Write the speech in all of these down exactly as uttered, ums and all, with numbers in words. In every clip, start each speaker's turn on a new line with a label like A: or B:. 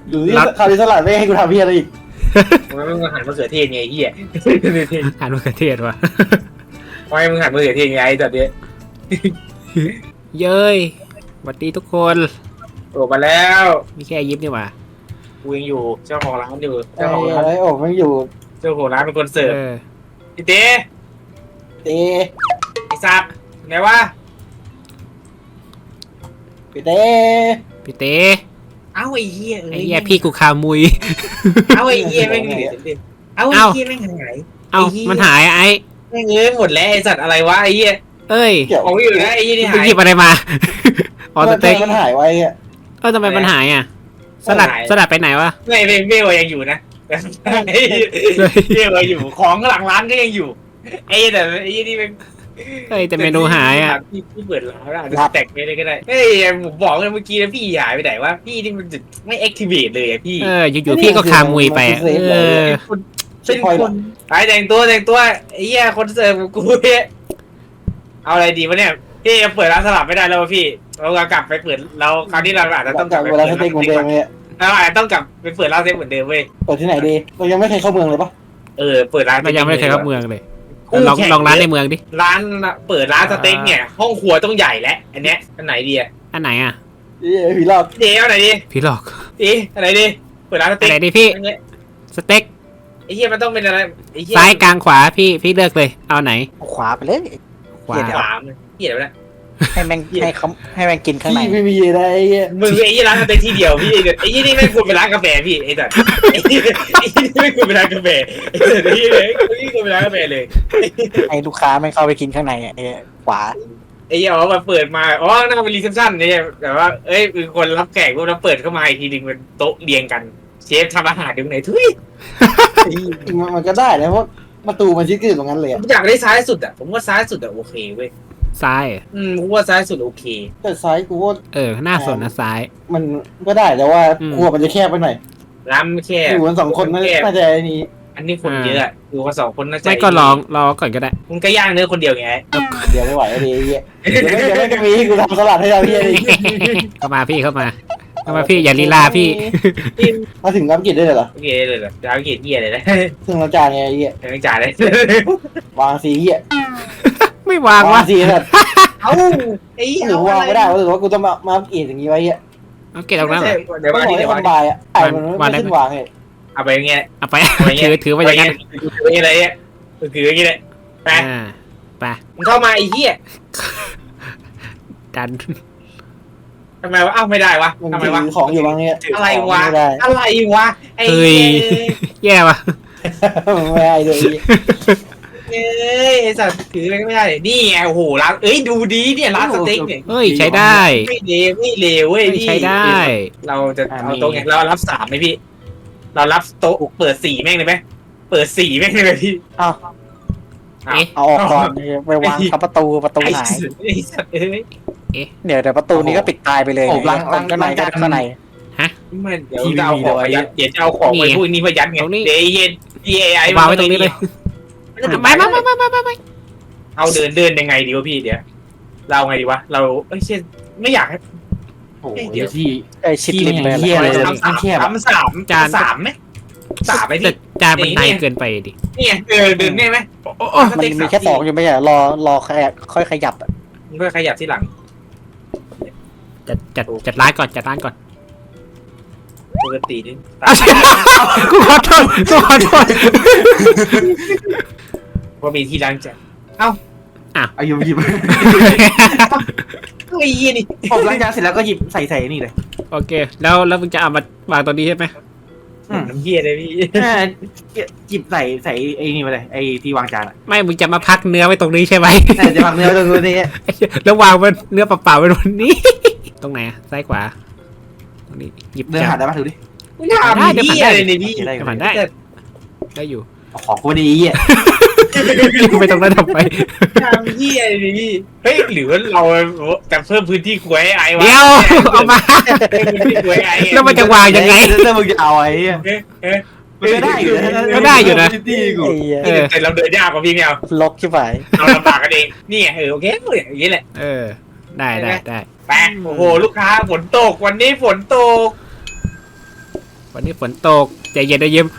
A: ดูที่คาริสลัดไม่ให้กูทำเพี้ยอะไรอีก
B: มันมึงหันมะเขือเทศไงเฮีย
C: หันมะเขือเทศวะ
B: ทำไมมึงหันมะเขือเทศไงแต่เนี้ย
C: เย้ยสวัสดีทุกคน
B: โอ้มาแล้ว
C: มีแค่ยิบนี่หว่า
B: กูยังอยู่เจ้าของร้านอยู่
A: ไอ้
B: เจ้าของร้าน
A: ไอ้โอ้ไม่อยู่
B: เจ้าของร้านเป็นคนเสิร์ฟ
C: เออ
B: พี่เต้
A: เต้
B: ไอ้สัตว์ไงวะ
A: พี่เต้
C: พี่เต้
B: เอ้าไอ้เหี้ย
C: ไอ้เหี้ยพี่กูคามุย
B: เอ้าไอ้เหี้ยแม่งเหลือเอ้าไอ้เหี้ยแม่งหาย
C: เอ้ามันหายอะไอ้
B: แม่งเอ้ยหมดแล้วไอ้สัตว์อะไรวะไอ้เหี้ย
C: เอ้ย
A: เกี่ยว
B: ของอยู่นะไอ้เหี้ยนี่
C: มึง
B: หาย
C: หยิบอะไรมาออสเต็ก
A: มันหายไว้อะ
C: เออทำไมมันหายอ่ะ สลัดสลัดไปไหนวะ
B: ไม่ไม่ไม่ว่ายังอยู่นะไม่ว่าอยู่ของหลังร้านก็ยังอยู่ไอ้แต่ไอ้นี่เป็น
C: เฮ้ยแต่เมนูหายอ่ะ
B: พี่พี่เปิดร้านอะจะแตกไปเลยก็ได้เฮ้ยผมบอกเลยเมื่อกี้นะพี่หายไปไหนวะพี่นี่มันไม่แอคทีเวตเลยอะพี่
C: เอออยู่ๆพี่ก็คามุยไปอะเออ
B: เป็นคนไปแต่งตัวแต่งตัวไอ้เหี้ยคนเสิร์ฟกูเนี่ยเอาอะไรดีวะเนี่ยพี่เปิดร้านสลับไม่ได้แล้วพี่เรากลับไปเปิดเราคราวนี้เราอาจจะต้องก
A: จา
B: ลับ
A: ก
B: ไป
A: เว
B: เปิด
A: ลา
B: ร้าน
A: สเต็กเหมือนเดิมเลย
B: เราอาจจะต้องกลับไปเปิดร้านสเต็กเหมือนเดิมเว้ย
A: เปิดที่ไหนดีเรายังไม่เคยเข้าเมืองเลยปะ
B: เออเปิดร้าน
C: มันยังไม่เคยเข้าเมืองเลยลองลองร้านในเมืองดิ
B: ร้านเปิดร้านสเต็กเนี่ยห้องครัวต้องใหญ่แล้วอันเนี้ยอันไหนดีอะ
C: อันไหนอ่ะ
A: พี่รอบ
B: เดี๋ยวไหนดี
C: พี่หลอก
B: อีอันไหนดีเปิดร้านส
C: อั
B: เต็
C: น
B: ก
C: ไหนดิพี่
B: อันเนี้ย
C: สเต็ก
B: ไอ้เหี้ยมันต้องเป็นอะไรไอ้เหี้ย
C: ซ้ายกลางขวาพี่พี่เลือกเลยเอาไหน
D: ขวาไปเลย
C: ขวา
B: ขวามันเหี้ยอะไรวะ
D: ให้แม่งให้เขาให้แม่งกินข้างใน
A: พี่ไม่มีอะไร
B: มึงไอ้ยี่ร้านสเต็กที่เดียวพี่ไอ้ยี่นี่ไม่ควรเป็นร้านกาแฟพี่ไอ้สัสไอ้ยี่นี่ไม่ควรเป็นร้านกาแฟไอ้สัสไอ้ยี่เลยไอ้ยี่ควรเป็นร้านกาแฟเลย
D: ให้ลูกค้าแม่งเข้าไปกินข้างในอ่ะไอ้ขวา
B: ไอ้ยี่อ๋อมาเปิดมาอ๋อน่าเป็นรีเซพชันเนี่ยแต่ว่าเอ้ยคือคนรับแขกพวกนั้นเปิดเข้ามาอีกทีนึงเป็นโต๊ะเรียงกันเชฟทำอาหารอยู่ไหนทุย
A: มันก็ได้นะเพราะประตูมันชิดกันอยู่ตรงนั้นเลย
B: ผมอยากได้ซ้ายสุดอ่ะผมว่าซ้ายสุดอ่ะโอเคเว้ย
C: ซ้าย
B: อืมผมว่าซ้ายสุดโอเค
A: แต่ซ้ายกูว่า
C: เออหน้าสนนะซ้าย
A: มันก็ได้แต่ว่าครัวมันจะแคบไปหน่อย
B: ร้านไม่แค่
A: อยู่กันสองคนน่าจะนี่
B: อันนี้คนเยอะอยู่กันสองคนน่าจะ
C: ไม่ก็ลองรอก่อนก็ได้
B: มึงก็ย่างเนื้อคนเดียวไง
A: เดี๋ยวไม่ไหวเลยไอ้เหี้ยเดี๋ยวไม่เดี๋ยวไม่จะมีให้กูทำสลัดให้เราพี่
C: เข้ามาพี่เข้ามาเข้ามาพี่อย่าลีลาพี่
A: มาถึงรับกิจได้เลยเหรอ
B: โอเคเลยเหรอจะเอาเกียรติเหี้ยเลยนะ
A: ถึงเราจานไงไอ้เหี้ย
B: ไม่จ่ายเลยว
A: างสีเหี้ย
C: ไม่วาง
A: วาว
C: ะ
A: งสีแบบ
B: เอ้าไอ้
A: หรือวางไม่ได้หรือว่ากูต้องมามากิจอย่างนี้ไว้เหี้ย
C: เอาเก็บตรงนั้นเหรอ
B: เดี๋ยว
A: ต้อ
B: ว่าง
A: บอก
B: นี่
A: ให้
B: เดี๋ยว
A: ค
B: ว่าน นี่
A: บายอ่ะไอ้มันไม่ขึ้นวางเลย
B: เอาไปอย่างเงี้ย
C: เอาไปถือถือไว้อย่างนั้น
B: ถืออย่างเงี้ยถืออย่างเงี้ยไป
C: อ่าไป
B: มึงเข้ามาไอ้เหี้ย
C: ดัน
B: ทำไมวะเอ้าไม่ได้วะ
A: มัน
B: ทำไม
A: ถื
B: วะ
A: อของอยู่บางเนี้ย
B: อะไรวะ
A: ไม่ได้
B: อะไรวะไอ้
C: เฮ้ยแย่ว่ะ
A: ไม่ได้เลย
B: เอ้ยไอ้สัตว์ถืออะไรก็ไม่ได้นี่ไงโอ้โหร้านเอ้ยดูดีเนี่ยร้านสเต็กเนี่ย
C: เฮ้ยใช้ได้
B: ไม่เลวไม่เลวเว้ยพี่
C: ใช้ได้
B: เราจะเอาโต๊ะไงเรารับสามไหมพี่ เรารับโต๊ะเปิดสี่แม่งเลยไหมเปิดสี่แม่งเลยไหมพี่
D: อ้าว
C: เอ๊ะ
D: เอาออกก่อนไปวางทับประตูประตู
B: ไอ้
D: หาย
B: สัตว์ไอ้สัตว์เอ้ย
D: เดี๋ยวเดี๋ยวประตูนี้ก็ปิดตายไปเลยข้างในก็ข้างใน
B: มันเดี๋ยวจะเอาของไปยัดเดี๋ยวจะเอาของไปพวกนี้มายัดไง
C: ตรงนี้
B: เดี๋ยวเย็นพีเอไอ
C: วางไว้ตรงนี้เลย
B: ไม่
C: ไม่
B: ไม่
C: ไม่
B: ไม่
C: ไม่ไม่ไม่ไม่
B: เอาเดินเดินยังไงดีวะพี่เดี๋ยวเราไงดีวะเราเอ้ยเช่นไม่อยากให้
A: โอ้โหเดี๋ยวที่
D: ไอ้ชิดลิมเลย
A: เหี้ยอะไร
B: สามสามสามสามจานสามไหมสามไหม
C: แต่
B: พี่
C: จานมันในเกินไปดิ
B: นี่ไงเออเดินได้ไหม
D: มันมีแค่สองอยู่ไม่ใช่รอรอค่อยขยับ
B: มึงก็ขยับที่หลัง
C: จัดจัดจัดร้านก่อนจัดร้านก่อน
B: ปกตินี่
C: กูขอโทษกูขอโทษ
B: ว่ามีที่ล้างจาน
A: อายุหยิบ
B: ไอ้ยี่นี่
A: ผมล้างจานเสร็จแล้วก็หยิบใส่ใส่นี่เลย
C: โอเคแล้วแล้วมึงจะเอามาวางตรงนี้ใช่ไหม
B: น้ำเยี่ยเลยพี่
A: หยิบใส่ใส่ไอ้นี่มาเลยไอ้ที่วางจานอ่ะ
C: ไม่มึงจะมาพักเนื้อไว้ตรงนี้ใช่ไหม
A: จะวางเนื้อตรงนี้
C: แล้ววางมันเนื้อเปล่าๆไว้ตรงนี้ ตรงไหนซ้ายขวาตรงนี้หยิบ
A: เดิน
C: จา
A: หาน ได้ปะถือดิ
B: ไม่ทำเยี่ยเลยนี่พี่
A: ได้
C: ผ่านได้ได้อยู่
A: ของกูดีอ่ะ
C: ไปตรงนั้นทำไม
B: ทำเยี่ยเลยนี่พี่เฮ้ยหรือว่าเราจะเพิ่มพื้นที่ควยไอ้วะ
C: เดี๋ยวเอามา
B: พื้นที่ควยไอ้
C: แล้วมันจะวางยังไง
A: ถ้ามึงจะเอาไอ้
B: เอ๊ะเอ๊ะ
A: ก็ได้อยู่
C: ก็ได้อยู่นะ
A: ที่กู
C: เออ
B: แต่เราเดินยากกว่าพี่ไม่เอา
D: ลกใช่ไหม
B: เราลำบากกันเองนี่ไงเออโอเคอย่างนี้แหละ
C: เออได้ได้ได้
B: แปะโอ้โหลูกค้าฝนตกวันนี้ฝนตก
C: วันนี้ฝนตกใจเย็นนะยิ้ม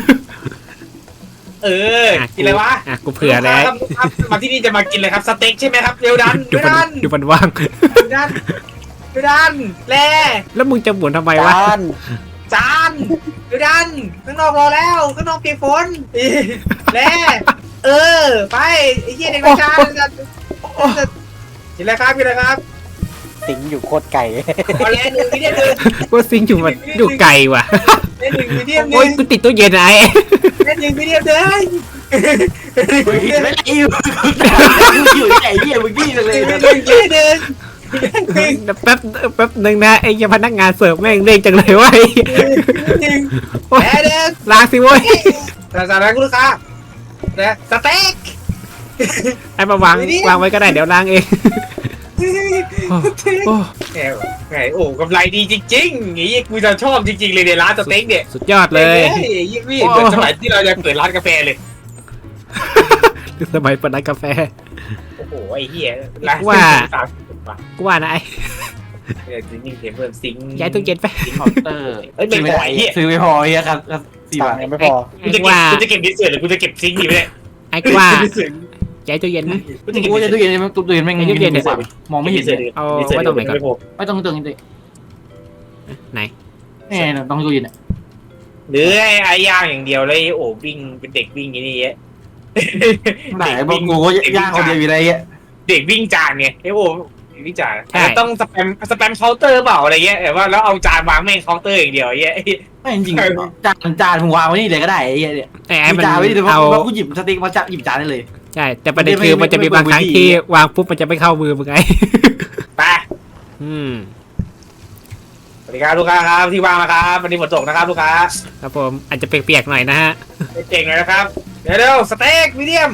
B: เออกินอะไรวะ
C: อ่ะกูเผื่อแล้ว
B: ครับครับมาที่นี่จะมากินเลยครับสเต็กใช่ไหมครับเร็วดัน
C: ดู
B: เร็ว
C: มัน
B: ดัน
C: ดูมันว่าง
B: เร็วดันเร็วดันแล่
C: แล้วมึงจะหมุนทำไมวะ
A: จาน
B: จานเร็วดันข้างนอกรอแล้วข้างนอกเปียกฝนแล่เออไปไอ้เหี้ยเด็กไม่จานกินอะไรครับกินอะไรครับ
D: สิงอยู่โคตรไก่
B: เอาแล่หนึ่งมีเดียมหนึ่ง
C: กูซิงอยู่มันอยู่ไกลว่ะ
B: แล่หนึ่งมีเดียมห
C: โอ้ย
B: นึ่ง
C: กูติดตู้เย็นไอ้
B: แล่หนึ่งมีเดียมเลย
A: ไม่ไอ้อยู่อยู่ไหนเนี่ยมึงกี้เลย
B: หนึ่งหนึ่งหนึ่งหนึ่ง
C: แป๊บแป๊บหนึ่งนะไอ้ยังพนักงานเสิร์ฟแม่งเร่งจังเลยวะไอ้
B: หนึ่ง
C: โอ๊ย
B: แล่หนึ่ง
C: ล้างสิเว้ย
B: แต่สาระคุณลูกค้านะสเต็ก
C: ไอ้มาวางวางไว้ก็ได้เดี๋ยวล้างเองโอ้โอ้
B: แหมแหมโอ้กำไรดีจริงๆอย่างนี้กูจะชอบจริงๆเลยในร้านสเต็กเนี่ย
C: สุดยอดเลย
B: ยิ่งพี่เหมือนสมัยที่เราจะเปิดร้านกาแฟเลย
C: สมัยเปิดร้านกาแฟ
B: โอ้โหไอ้เหี้ยร้าน
C: ว่า
B: สามสิบบาท
C: กูว่านะไอ้
B: เออจริงๆเห็นเพิ่มซิงค์
C: ย้ายตู้เย็นไป
B: ซิงค์เคาน์เตอร์เอ้ยไม่ไหวเหี้ย
A: ซื้อไม่พอเฮียครับสี่
D: ตัง
A: บาท
D: ค์ยังไม่พอ
B: กูจะเก็บกูจะเก็บดิสเซอร์หรือกูจะเก็บซิงค์ดีไหมเนี่ย
C: ไอ้กูว่าย้ายตู้เย็นไหม
B: กูจะเก็บ
A: กูจะตู้เย็นตู้เย็นแม่งมองไม่เห็น
C: เอาไว้ตรงไหนก่อน
A: ไม่ต้องตู้เย็น
C: ไหน
A: แน่ต้องตู้เย็น
B: หรือไอ้ไอ้ย่างอย่างเดียวเลยโอ้วิ่งเป็นเด็กวิ่งอย่างนี้เยอะ
A: ไหนบอกกูก็ย่างคนเดียวอยู่ไรเงี้ย
B: เด็กวิ่งจานไงไอ้โอ้วิ่งจานต้องสแปมสแปมเคาน์เตอร์เปล่าอะไรเงี้ยแต่ว่าแล้วเอาจานวางแม่งเคาน์เตอร์อย่างเดียวเงี้ย
A: ไม่จริงจานจานมึงวางไว้นี่เลยก็ได้ไอ้เงี้ยเนี่ย
C: แต่ไอ้มัน
A: จานไว้นี่เพ
C: เอา
A: ราะกูหยิบสติ๊กมาจับหยิบจานได้เลย
C: ใช่แต่ประเด็นคือมันจะมีบางครั้งที่วางปุ๊บมันจะไม่เข้ามือมึงไง
B: ไป
C: อืม
B: สวัสดีครับลูกค้าครับที่ว่างนะครับวันนี้ฝนตกนะครับลูกค้า
C: ครับผมอาจจะเปียกๆหน่อยนะฮะ
B: เก่งเลยนะครับเดี๋ยวเร็วสเต็กมีเดียม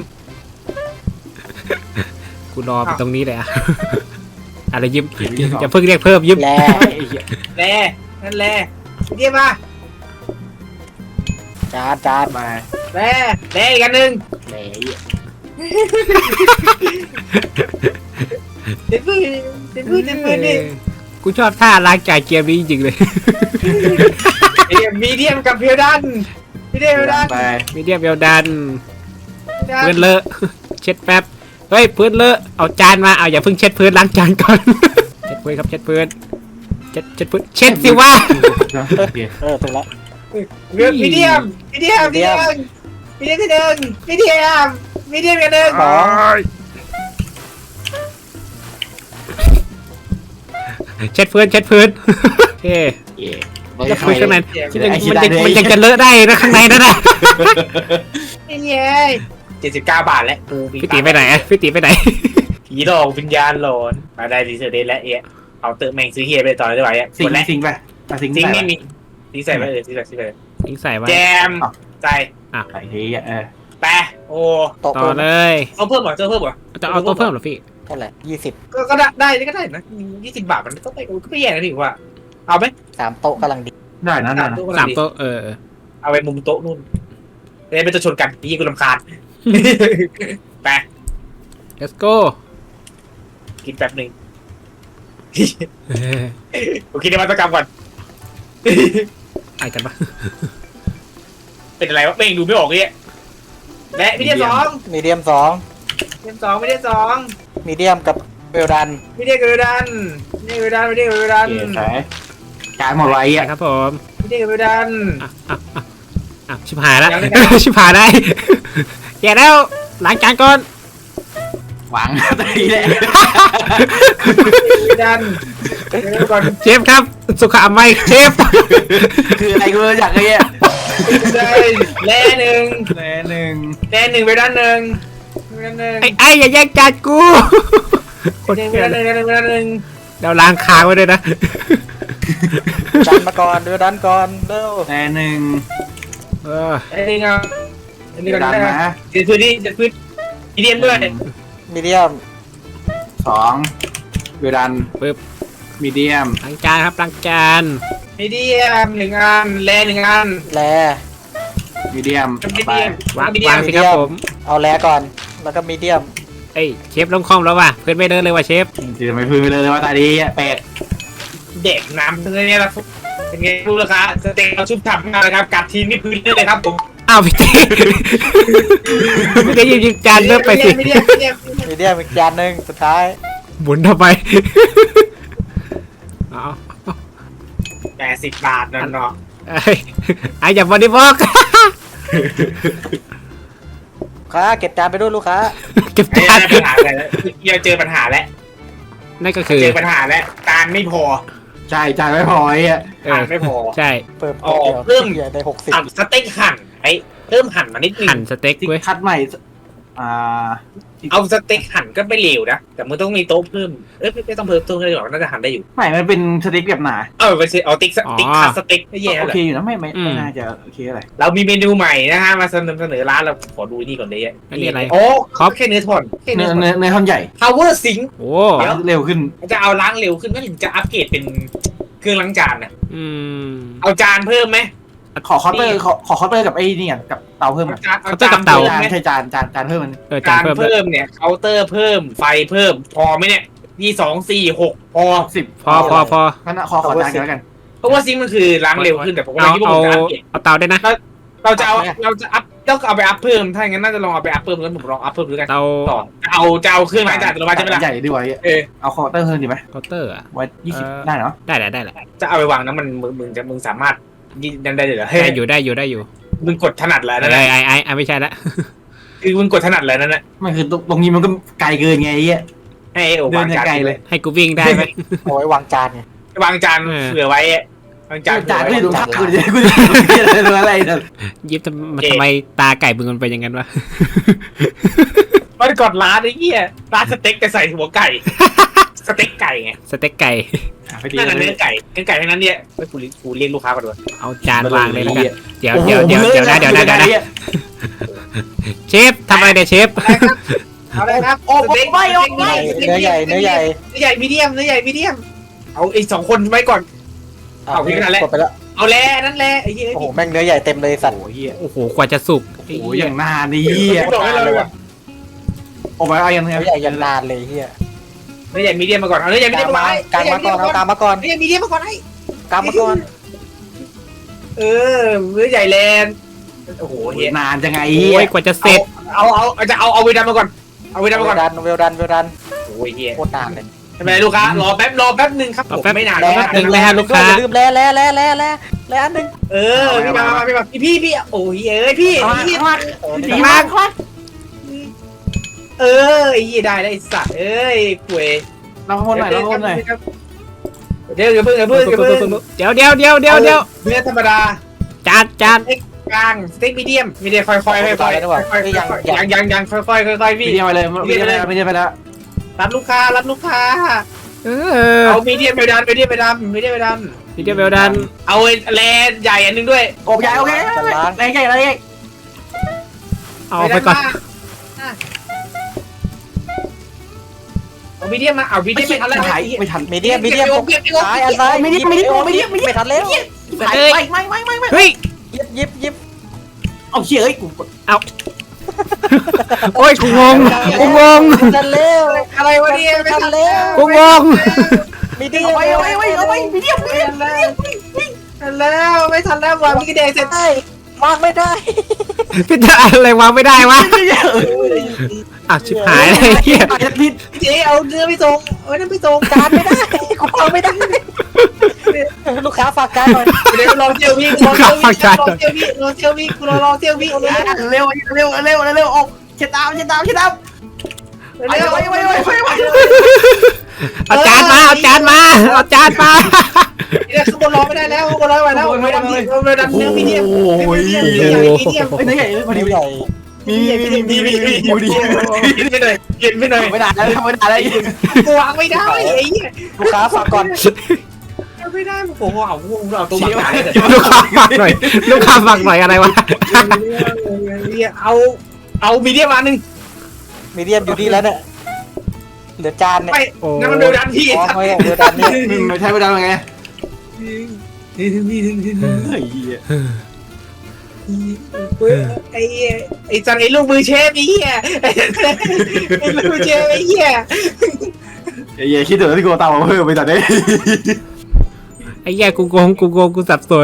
C: กูรอไปตรงนี้เลยอะอะไรยิ้มอย่าเพิ่งเรียกเพิ่มยิ้ม
D: แล
B: แล่นั่นแล่มีเดียมมา
D: จานจาน
A: มา
B: แล่แล่อีกอันหนึ่ง
D: แหม
B: เด็ดพื้นเด็ดพื้นเด็ดพื้นนี่
C: กูชอบท่าล้างจานเกมนี้จริงๆเลย
B: มีเดียมกับเพียวดันมีเดียมเพียวดัน
A: ไป
C: มีเดียมเวลดันพื้นเลอะ เช็ดแป๊บเฮ้ยพื้นเลอะเอาจานมาเอาอย่าเพิ่งเช็ดพื้นล้างจานก่อน เช็ดพื้นครับเช็ดพื้นเช็ดเช็ดพื้นเช็ดสิว่า
D: เออถูกแล้ว
B: เลือกมีเดียมมีเดียมมีเดียมมีเดียมที่หนึ่งมีเดียมมีเดียมกันหนึ่ง
D: สอง
C: เช็ดพื้นเช็ดพื้นโอเคจะพื้นข้างในมันยังมันยังมันยังจะเลอะได้นะข้างในนั่นน่ะ
B: เย้เจ็ดสิบเก้าบาทแล้วกู
C: พี่ตีไปไหนอะพี่ตีไปไหน
B: ผีหลอกวิญญาณหลอนมาได้ดีเซอร์เดนและเอ๊ะเอาเติมแม่งซื้อเฮียไปต่อได้ไหมอ่ะ
A: สิง
B: คนแรก
A: สิงไปสิง
B: ซิงไม่มีซิงใส่ไปเออซิงใส่ซิงใส่
C: ทิ้งใส่ไว้
B: แจมใจ
A: ไอ้เฮียเออ
B: แปะโอ้
D: โต๊ะ
C: ต่อเลย
B: เอาเพิ่มเหรอเจอเพิ่มเหรอ
C: จะเอาตัวเพิ่มเหรอพี่
D: เท่าไหร่ยี่สิบ
B: ก็ก็ได้ได้ก็ได้นะยี่สิบบาทมันก็ไม่ก็ไม่แย่นะพี่ว่าเอาไหม
D: สามโต๊ะกำลังดี
A: ได้นะได้นะ
C: สามตัวเออ
B: เอาไปมุมโต๊ะนู่นเลยเป็นตัวชนกันพี่กูรำคาญไป
C: let's go
B: กินแป๊บหนึ่ง
C: เออ
B: โอเคเดี๋ยวมาตกรรมก่อน
C: ไอ้กันปะ
B: เป็นอะไรวะเม่งดูไม่ออกเลยและมีเดียมสอง
D: มีเดียมสอง
B: มีเดียมสองมีเดียมสอง
D: มีเดียมกับเวลดัน
B: มีเดียมกระดันมีเดียมกระดันมีเดียมกระดัน
A: เก๋ใช่การหมดไว้
C: ใช่
A: อ่ะ
C: ครับผม
B: มีเดียมกระดัน
C: อ่ะอ่ะอ่ะอ่ะชิบหายแล้ว
B: ยังไม่ได้
C: ชิบหายได้แย่แล้วล้างจานก่อน
A: หวังตีเลย
B: กระดันเดี๋ยวก่อน
C: เชฟครับสุขอนามัยเชฟ
A: คืออะไรกูอยากไอ้เงี้ย
B: เลยแล่หนึ่ง
A: แน่หนึ่ง
B: แล่หนึ่งไปด้านหนึ่งไปด้านหนึ่ง
C: ไอ้ไอ้อย่าแย่งจานกูคน
B: หนึ่งไป
C: เกลีย
B: ด้า
C: ด
B: นหนึ่งไปด้านหนึ่ง
C: เดี๋ยวล้างค้างไว้ด้วยนะ
D: ดันมาก่อนเวลดันก่อนเร็ว
A: แน่หนึ่ง
C: เออ
B: ไอ้นี่เงาอันนี้ก็
A: ดัน
B: ได้
A: มา
B: นะเดี๋ยวพื้นที่เดี๋ยวพื้นมีเดียมด้วย
D: มีเดียม
A: สองเวดัน
C: ปึ๊บ
A: มีเดียม
C: ล้างจานครับล้างจาน
B: มีเดียมหนึ่งอันแล่หนึ่งอัน
D: แล
A: มีเดียม
B: มี
A: ไป
B: เดียม
C: วาง
B: มีเดียว
C: าง
B: ม
C: สิครับผม
D: เอาแลก่อน แล้วก็มีเดียม
C: เอ้ยเชฟลงคอมแล้วว่ะเพื่อนไม่เดินเลยว่ะเชฟ
A: จะไม่พื้นไปเลยว่าตาดีแปลก
B: เด็กน้ำเลยเนี่ยละเป็นไงรู้ราคาสเต็กเราชุบฉ่ำมากนะครับกัดทีนี่พื้นเลยครับผม
C: อ้าวพี่เต้พี่เต้หยิบหยิบจานเริ่มไปสิ
B: ไม่เรียกไม่เรียก
D: มีเดียมอีกจานหนึ่งสุดท้าย
C: หมุนทำไมเอา
B: แปดสิบบาทนั่นเนาะ
C: ไอ้ไอ้อย่าบอดี้บล็อก
D: ค้าเก็บจานไปด้วยลูกค้า
C: เก็บ
B: ไอ้
C: จาน
B: ปัญหาอะไรแล้วเราเจอปัญหาแล้ว
C: นั่นก็คือ
B: เจอปัญหาแล้วการไม่พอ
A: ใช่จ่ายไม่พอไอ้อะ
C: เอ
B: การ
C: อ
B: ไม่พอ
C: ใช่
D: เพิ่ม
B: อ๋อ
D: เดียว
B: เพิ่ม
D: ใหญ่ได้หกสิบ
B: หั่นสเต็กหั่นไอ้เพิ่มหั่นมานิดนึง
C: หั่นสเต็ก
A: ที่
C: เว้ย
A: คัดใหม่อ่า
B: เอาสเต็กหั่นก็ไม่เหลวนะแต่มึงต้องมีโต๊ะเพิ่มเอ้ยไม่ต้องเพิ่มโต๊ะเลยหรอกน่าจะหั่นได้อยู่
A: ใหม่มันเป็นสเต็กแบบหนา
B: เออไปสิเอาติ๊กสติ๊กคัสสเต็กไม่แย่
A: โอ
B: เลย
A: เคอยู่นะไม่ไม่ไม่น่าจะโอเคอะไร
B: เรามีเมนูใหม่นะฮะมาเสนอเสนอร้านเราขอดูนี่ก่อนเลย
C: อันนี้อะไร
B: โอ้แค่เนื้อทอนแค่
A: เนื้
B: เนื้
A: อ
B: อทอน
A: เนื้อเนื้อท่อนใหญ่
B: power sink
C: โอ้
B: เดี๋ยว
A: เร็วขึ้น
B: จะเอาล้างเร็วขึ้นก็ถึงจะอัปเกรดเป็นเครื่องล้างจานนะ
C: อืม
B: เอาจานเพิ่มไหม
A: ขอเคาน์เตอร์ขอขอเคาน์เตอร์กับไอ้นี่อ่ะกับเตาเพิ่มอ่ะ
B: จานเอาจาน
A: เตา
B: เพิ่ม
A: จาน
B: ไหม
A: ใช่จานจานจานเพิ่มมัน
C: เออจา
B: จาน น
C: เพิ่มด้วย
B: เพิ่มเนี่ยเคาน์เตอร์เพิ่มไฟเพิ่มพอไหมเนี่ยยี่สองสี่หกพอ
A: สิบ
C: พอพอพอ
A: งั้นขอขอจานกันแล้วกัน
B: เพราะว่าซิงค์มันคือล้างเร็วขึ้นแต่ผมก็
C: เอา
B: คิดว่า
C: เอา
B: ผมจะอัปเกรด
C: เอาเตาได้วยนะ
B: เราจะเอาเราจะอัพต้องเอาไปอัพเพิ่มถ้าอย่างนั้นน่าจะลองเอาไปอัพเพิ่มแล้วผมลองอัพเพิ่มดูกัน
C: เตา
B: ต่อเอาจะเอาเครื่องล้างจานอัตโนมัติใช่ไหมล่ะ
A: ใหญ่ดีกว่า
B: เออ
A: เอาเคาน์เตอร์เพิ่มดีไหม
C: เคาน์เตอร์อะ
A: ไว้ยี่สิบ
C: เออ
A: ได้เนาะ
C: ได้แหละได้แหละ
B: จะเอาไปวางนะมันมึงมึงจะมึงสามารถยิงได้เลยเหรอเฮ้ย
C: ได้อยู่ได้อยู่ได้อยู่
B: มึงกดถนัดแล้ว
C: ไอ้
B: นั่นแหละ
C: ไอ้ไอ้ไอ้ไม่ใช่ละ
B: คือมึงกดถนัดแล้วนั่นแหละ
A: ไม่คือตรงนี้มันก็ไกลเกินไงไอ้เหี้ย
B: ให้โอ้
A: เดิ
B: วาน ง
A: ยัง
B: จาน
A: ไกลเลย
C: ให้กูวิ่งได้ไหม
D: เอาไว้วางจานไง
B: วางจาน
C: เออ
B: เผื่อไว้วางจาน
A: จาน
B: เผื่
A: ก็
B: อ
A: อยู่
B: ไว้
A: ตรงข้างกูจะกูจะดูอะไรเนี่ย
C: ยิบทำทำไมตาไก่มึงมันเป็นอย่างนั้นวะ
B: มันกดร้านไอ้เหี้ยร้านสเต็กแต่ใส่หัวไก่ สเต็กไก่ไง
C: สเต็กไก่
A: ไปดี
B: นั่น
A: เล
B: น่ะเนื้อย ไก่เนื้อไก่ทั้งนั้นเนี่ยไปกูกูเรียกลูกค้าก่อนด้วย
C: เอาจานวางเลยแล้วกันเดี๋ยวเดี๋ยวเดี๋ยวเดี๋ยวนะเดี๋ยวนะเดี๋ยวนะเชฟทำอะไรเนี่ยเชฟ
B: เอาเลยครับโอ้ไม่ไม่ไม่
D: เนื้อใหญ่เนื้อใหญ่
B: เนื้อใหญ่มีเดียมเนื้อใหญ่มีเดียมเอาไอ้สองคนไว้ก่อน เอาพี่ขนาดแรก
D: กดไปแล้ว
B: เอาแล้นั่นแหละไอ้เหี้ย
D: โอ้โหแม่งเนื้อใหญ่เต็มเลยสัตว์
A: โอ้ยเหี้ย
C: โอ้โหกว่าจะสุก
A: โอ้ยอย่างนานนี่
B: เหี้ยบอกให้เราเลยว่ะ
A: โอ้ยเอาอย่าง
D: เนื้อใหญ่ยันนานเลยเฮีย
B: เนื้อใหญ่มีเดียมมาก่อนเอาเนื้อใหญ่มี
D: ก
B: เดี
D: ลาย ง
B: ม
D: มา
B: มา
D: กลางมาก่อนเอากลางมาก่อน
B: เนื้อใหญ่มีเดียมมาก่อนไอ้
D: กลางมาก่อน
B: เออเนื้อใหญ่แลนโอ้โหเฮีย
A: นานจังไง
C: โอ้ยกว่าจะเสร็จ
B: เอาเอาเอาจะเอาเอาเวดันมาก่อนเอาเวดันมาก่อน
D: ดันเวลดันเวลดัน
B: โอ้ยเฮีย
D: โคตรนานเลย
B: ทำไมลูกค้ารอแป๊บรอแป๊บนึงครับผมไม่นาน
C: แป๊บนึงนะฮะลูกค้า
D: อย่าลืมแล่แล่แล่แล่แล่แล่อันหนึ่ง
B: เออพี่มาพี่มาพี่พี่โอ้ยเอ้ยพี่พี่
C: ดีมาก
B: เออไอ้ยี่ได้ได้สัตว์เอ้ยป่วย
A: เราคนหน่อยเราคนหน่อย
B: เดี๋ยวอย่าเพิ่งอย่าเพิ่งอย่าเพิ่ง
C: เดี๋ยวเดี๋ยวเดี๋ยวเดี๋ยวเดี๋ยว
B: เนื้อธรรมดา
C: จานจาน
B: กลางสเต็กมีเดียมมีเดียมค่อยๆค่อยๆค่อยๆยังยังยังค่อยๆค่อยๆ
A: มี
B: พี่
A: เดียไปเลยมีเดียไปแล้วมีเดียไปแล้ว
B: รับลูกค้ารับลูกค้า
C: เออ
B: เอามีเดียมไปดันมีเดียมไปดันมีเดียมไปดัน
C: พี่เดียวเวลดัน
B: เอาแลนใหญ่อันนึงด้วย
A: โอ้ยโอเคแรงใหญ่แรงใหญ่
C: เอาไปก่อน
B: เอามีเดียมมาเอามีเดียมไม่ทันแล้ว
A: ไม่ทันไม่ทัน
D: มีเดียมมีเดียมซ้ายอันซ้ายไม่ทันแล้ว
C: เอ้ย
A: ไม่ไม่ไม่ไม่ไม่
C: เฮ้ย
D: ยิบยิบยิบ
A: เอาเชี่ยเอ้ยกู
C: โอ้ยกูงงกูงง
D: ทันแล้ว
B: อะไรวะเนี่ยไม่
D: ทัน
B: ทัน
D: แล้ว
C: กูงง
D: มีเดียม
A: เอาไปเอาไปเอาไปมีเดีย
B: ไม่ทันแล้วทันแล้วไม่ทันแล้ววางมีกระเดงเสร็จ
D: ได้วางไม่ได้
C: พี่จะอะไรวางไม่ได้วะอ้าวชิบหายเลยเฮีย
A: ผิด
B: เจ๊เอาเนื้อไปส่งเอาเนื้อไปส่ง
D: จานไม่ได้กูวางไม่ได้ลูกค้าฝากจานหน่อย
B: เดี๋ยวลองเจียวพี่ลองเจียวพี่ลองเจียวพี่ลองเจียวพี่กูลองเจียวพี่
A: เร็วเร็วเร็วเร็วเร็วออกเช็ดตามเช็ดตามเช็ดตาม
B: เร็ว
A: ไปไปไปไปไป
C: เอาจานมาเอาจานมาเอาจานมา
B: เนี่ยข้างบนรอไม่ได้แล้วข้างบนรอไม่ได้แล้วไม่ดันไม่ดันเนื้อมีเดียมมีเดียมมีเดียมมีเดียม
A: เฮ้ยนี่ใหญ่พอดี
D: ใหญ่
A: มีมีมีมีมีมีมีดี
B: กินไปหน่อยกินไปหน่อย
A: ไม่ได้แล้วไม่ได้แล้ว
B: กูวางไม่ได้ไอ้เหี้ย
D: ลูกค้าฝากก่อน
B: ไม่ได้โอ้โหเอาเอาตัวบังหายเลย
C: ลูกค้าฝากหน่อยลูกค้าฝากหน่อยอะไรวะ
B: เอาเอามีเดียมมาหนึ่ง
D: มีเดียมอยู่ดีแล้วเนี่ยเหลือจานเนี่ย
B: ไม่นั่นมันเบลดันพี่
D: อ๋อไม่เหลือจานเนี่ย
A: ไม่ใช่ไม่ได้ไง
B: นี่ถึงนี่ถึงถึง
A: เฮ้ย
B: ไอ้ไอ้จันไอ้ลูกมือเชฟไอ้เหี้ยไอ้ลูกมือเชฟไอ้เหี้ย
A: เย่คิดถึงที่กูเตาเพิ่มไปตอนนี้
C: ไอ้เหี้ยกูโกงกูโกงกูสับสน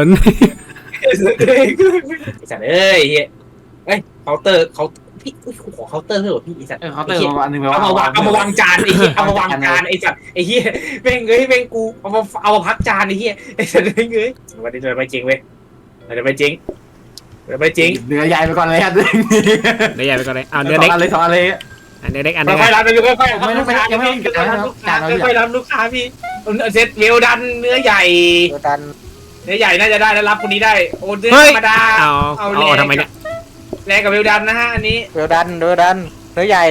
B: สัตว์เอ้ยเฮ้ยเอ้ยเคาน์เตอร์เขาพี่ขอเคาน์เตอร์เถอะพี่ไอ้สัตว์
A: เออเขาเติมมาอันนึงไป
B: เอามาวางเอามาวางจานไอ้เหี้ยเอามาวางจานไอ้สัตว์ไอ้เหี้ยแม่งเอ้ยแม่งกูเอามาเอามาพักจานไอ้เหี้ยไอ้สัตว์เอ้ยวันนี้เราไปจริงเว้ยเราไปจริงเราไปจริง
A: เนื้อใหญ่ไปก่อนเลยครับ
C: เนื้อใหญ่ไปก่อนเลยเอาเนื้อเล็ก
A: อะไรสองอะไร
C: อันเนื้อเล็กอันนึง
B: ค่อยๆรับไปค่อยๆ
A: ไม่ไม่ไม่ยังไม่
B: ค่อยๆรับลูกค้าพี่เซตเวลดันเนื้อใหญ่
D: เดียวกัน
B: เนื้อใหญ่น่าจะได้แล้วรับคนนี้ได้โอ้เนื้อ
C: เฮ้ย
B: ธรรมดา
C: เอาเอาทำไมเนี่ย
B: แรงกับเวลดันนะฮะอันนี้
D: เดียวดันเดียวดันเนื้อใหญ่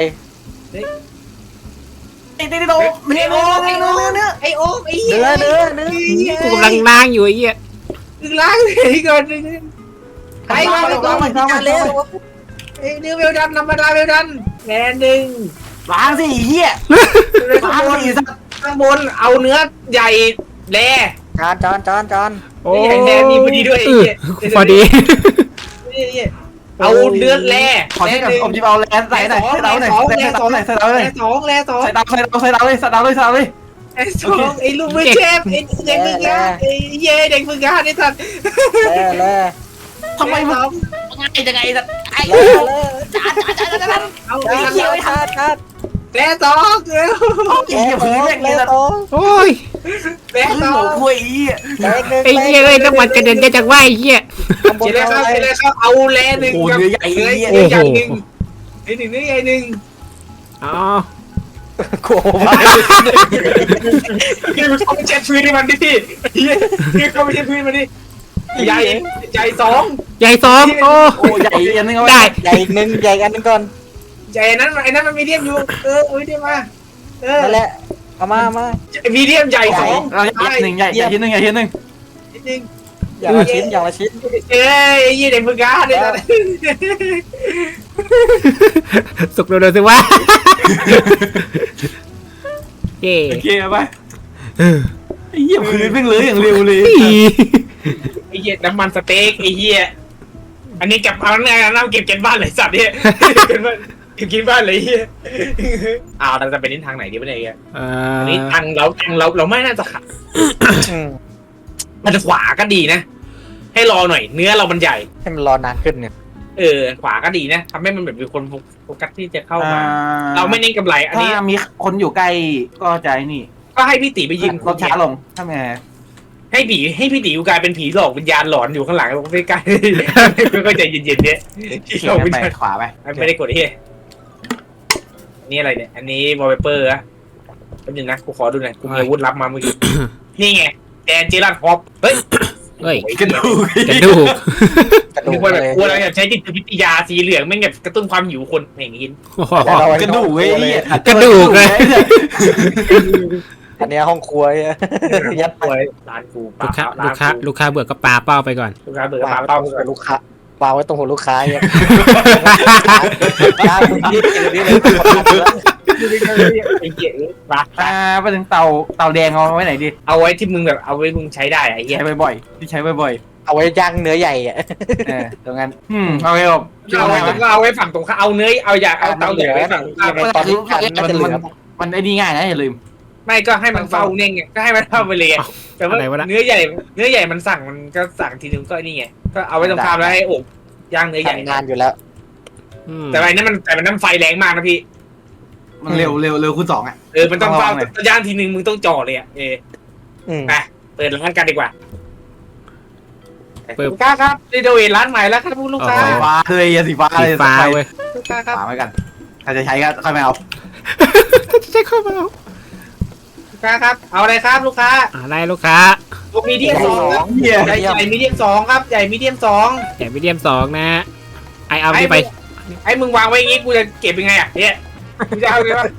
A: ไอ้เด็กโตเนื้อเนื้อเนื้อเนื้อเนื้อ
B: ไอโอ๊กไอเหี้
D: เนื้
B: ย
D: อเนื้อเนื้อ
C: กูกำลังนั่งอยู่ไอ้เหี้ย
B: ดึงล้างเลยก่อนไปมาไปก่อน
D: จานเร็ว
B: ไอเนื้อเวลดันธรรมดาเวลดันแงนหนึ่ง
A: ล้างสิเหี้ยล้างสิสัก
B: ข้างบนเอาเนื้อใหญ่แร่
D: จานจานจานจาน
C: โอ้
B: ไอ้แดงมีพอดีด้วยไอ้เหี้ย
C: พอดี
B: เอาเนื้อแร่
A: ขอที่กับผมจะเอาแลนใส่หน่อยใส่เราหน่อยใส่เราหน่อยใส่เราหน่อย
B: แร่สองแร่สอง
A: ใส่เราใส่เราใส่เราเลยใส่เราเลยใส่เราเลย
B: แร่สองไอ้ลูกมือเชฟไอ้เด็กมืองานไอ้เย่เด็กมืองานไอ้สัตว์
D: แล่แล่
A: ทำไมมันง่ายจังไงสักไอ้
D: แล่แล่
A: จานจานจานจาน
B: เอา
D: จาน
B: ไอ้เหี้ย
D: จานจาน
B: แร่สองเร็ว
A: ไอ้เหี้ยพื้นแม่งเลยสัก
C: โอ้ย
B: แร่
A: พื้น
B: สอ
A: หัว
B: ง
A: คุยอี
C: ไอ้เหี้ยเลยน้ำมันกระเด็นได้จากว่าไอ้เหี้ย
B: เจเลยครับเจเลยครับเอาแร่หนึ่ง
A: โอ้
B: กับ
A: เนื้อใหญ่
B: เนื้อ
A: เหี้ย
B: ใหญ่หนึ่งไอ้หนึ่งเนื้อใหญ่หนึ่ง
C: อ๋อ
D: กลัวว่า
B: คือเขาไปเช็ดพื้นให้มันดิพี่คือเขาไปเช็ดพื้นมันดิใหญ่ใหญ่สอง
C: ใหญ่สองโอ้
A: โอ้ใหญ่อันนึงเอา
C: ได้
D: ใหญ่อีกนึงใหญ่อันนึงก่อน
B: ใหญ่นั้นไอ้นั้นมันมีเดียมอยู่เออมีเดียมมาเออ
D: นั่นแหละเอามามา
B: มีเดียมใหญ่สอง
A: เราใหญ่หนึ่งใหญ่ใหญ่ทีหนึ่งใหญ่ทีหนึ่ง
B: นิดนึง
D: อย่างละชิ้นอย่างละชิ้น
B: เอ้ยยี่เด็กมือกาเด็ก
C: สุกเร็วๆสิวะเย่
A: โอเคไปไอ้เหี้ยพื้นเพิ่งเลยอย่างเร็วเลย
B: ไอ้เหี้ยน้ำมันสเต็กไอ้เหี้ยอันนี้เก็บเอาไงน้ำเก็บเก็บบ้านเลยสัตว์เนี่ยเก็บบ้านเก็บกินบ้านเลยเหี้ยอ้าวเราจะไปนินทางไหนดีวะเนี่ย
C: เอ่
B: อัน
C: อ
B: นี้ทางเราทางเราเราไม่น่าจะขัด
D: อืม
B: มันจะขวาก็ดีนะ ให้รอหน่อย เนื้อเรามันใหญ่
D: ให้มันรอนานขึ้นเนี่ย
B: เออ ขวาก็ดีนะทำให้มันแบบมีคนโฟกัสที่จะเข้ามา เราไม่เน้นกำไร อัน
A: ถ้า
B: นี้
A: มีคนอยู่ใกล้ก็ใจนี่
B: ก็ให้พี่ตีไปยิง
A: รถช้าลงทำไง
B: ให้ผีให้พี่ตีอยู่กลายเป็นผีหลอกวิญญาณหลอนอยู่ข้างหลังไม่ใกล้ก็ใจเย็นๆเนี่ยที่หลอกวิญ
A: ไป
B: ญาณ
A: ขวาไป
B: ไม่ได้กดเฮียนี่อะไรเนี่ย อันนี้วอลเปเปอร์อะแป๊บนึงนะกูขอดูหน่อยกูมีอาวุธลับมาเมื่อกี้นี่ไงแดนเจลันฮอปเฮ้ย
C: เฮ้ย
A: กระดูก
C: กระดูก
D: กระดู
B: นึ
D: ก
B: กว่าแบบ
D: เลย
B: กลัวอะไรแบบใช้จิตวิทยาสีเหลืองแม่งแบบกระตุ้นความหิวคนอย่างนี้
C: โอ้โห
A: กระดูกเว้ย
C: กระดูกเลย
D: อันเนี้ยห้องครัวเนี่ยยัดไป
B: ป่วยร้านกู
C: ลูกค้าลูกค้าลูกค้าเบื่อก็ปาเป้าไปก่อน
B: ลูกค้าเบื่อ
D: วา
B: ปาง
D: ไว้
B: เป้า
D: ตรงหัวลูกค้าวางไว้ตรงหัวลูกค้าเนี่ยร้านมึงยืดอย่างนี้เลย
B: ไอ้เหี้ยมา
A: อ่าไปถึงเตาเตาแดงเอาไว้ไหนดี
B: เอาไว้ที่มึงแบบเอาไว้มึงใช้ได้ไอ้เหี้ย
A: ใช้บ่อยๆที่ใช้บ่อย
D: เอาไว้ย่างเนื้อใหญ่อะ
A: ๆเออตรงนั้นอืมเอาไว้แบบ
B: เอาไว้เอาไว้ฝั่งตรงข้ามเอาเนื้อเอาอยากเอาเตาเหลือไว้ฝั่งตรงข้าม
D: ตอนนี้ทานน่าจะเหลือ
A: มันไอ้นี่ง่ายนะอย่าลืม
B: ไม่ก็ให้มันเฝ้าเน่งไงก็ให้มันเฝ้าไปเลยแต่ว่าเนื้อใหญ่เนื้อใหญ่มันสั่งมันก็สั่งทีนึงก็นี่ไงก็เอาไว้ตรงข้ามแล้วให้อบย่างเนื้อใหญ่
D: ทำงานอยู่แล้ว
B: แต่อันนั้นมันแต่มันน้ำไฟแรงมากนะพี่
A: มันเร็วเร็วเร็วคูณสองอ่ะ
B: เออมันต้องเฝ้าย่างทีนึงมึงต้องจ่อเลยอ่ะเออ
D: อืม
B: ไปเปิดร้านกันดีกว่าลูกค้าครับรีโนเวทร้านใหม่แล้วครับลูกค้า
A: สีฟ้าเลยสีฟ้า
C: สี
A: เลย
C: ฟ้าเว้ย
B: ลูกค้าครับ
A: ฟ้าไว้กันถ้าจะใช้ก็ค่อยมาเอา
C: ใช่เข้ามาเอา
B: ลูกค้าครับเอาอะไรครับลูกค้า
C: อะไรลูกค้า
B: ลูกมีเดียมสองครับ
A: เหี้ย
B: ใหญ่ใหญ่มีเดียมสองครับใหญ่มีเดียมสอง
C: ใหญ่มีเดียมสองนะไอเอาที่ไป
B: ไอ้มึงวางไว้อย่างงี้กูจะเก็บยังไงอ่ะเนี่ยกูจะเอาไงวะ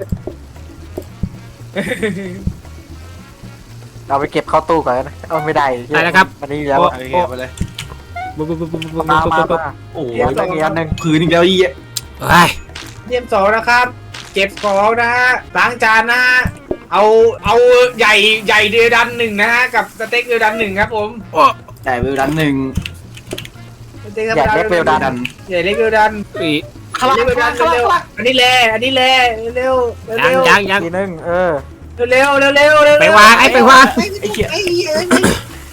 D: เราไปเก็บเข้าตู้ก่อนนะเอาไม่ได้
C: ได้แล้วครับ
D: มันนี่แล้ว
A: โอเคไปเลย
C: ปุ๊บปุ๊บปุ๊บปุ๊บปุ๊บ
D: มามา
C: ปุ๊บ
D: มา
A: โอ้โห
D: เดี๋ยวอีกอันหนึ่ง
A: ผืนอีกแล้วอีอ่ะ
C: เฮ้ย
B: เดียมสองนะครับ เก็บของนะฮะล้างจานนะฮะเอาเอาใหญ่ใหญ่เดือดันหนึ่งนะฮะกับสเต็กเดือดันหนึ่งครับผม
A: จ่ายไปร้านหนึ่ง
B: สเต็กธรร
D: อ
B: ม
D: ยาก
B: ดา
D: เล็กเวลดัน
B: ใหญ่เล็กเดือดัน
C: อี
A: ขลัง
B: เร็ว
A: ขลังขลัง
B: เร็ว
A: ขลัง
B: อันนี้แลอันนี้แลเร็วเร็ว
C: ยังยังยัง
D: ทีนึงเออ
B: เร็วเร็วเร็วเร็ว
C: ไปวางไอ้ไปวาง
B: ไอ้เหี้ยไอ้เหี้ย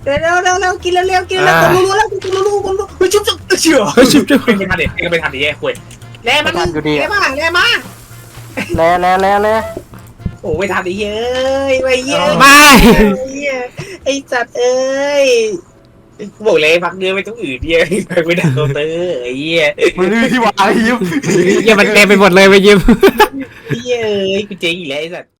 B: เร็วเร็วเร็วเร็วกินเร็วเร็วกินเร็วคนรู้แล้วคนรู้รู้คนรู้เฮ้ยชุบชุบเชื่อ
C: เฮ้ยชิบจุ๊บ
B: ไม่ทันเด็ดไม่ทันดิแย่คุยแร่มันแร่มาแร่มา
D: แล่แล่แล่แล่
B: โอ้ไม่ทันดิเฮ้ยไม่เยอะ
C: ไม่
B: ไอ้จัดเอ้ยบอกเลยพักเนื้อไปตรงอื่นเยอะไม่ได้โดนเตอร์ไอ้เหี้ย
A: มันมีที่วางยิ้ม
C: เหี้ยมันเต็มไปหมดเลยไปยิ้ม
B: เฮ้ยกูเจ๊งอีกแล้วไอ้สัตว์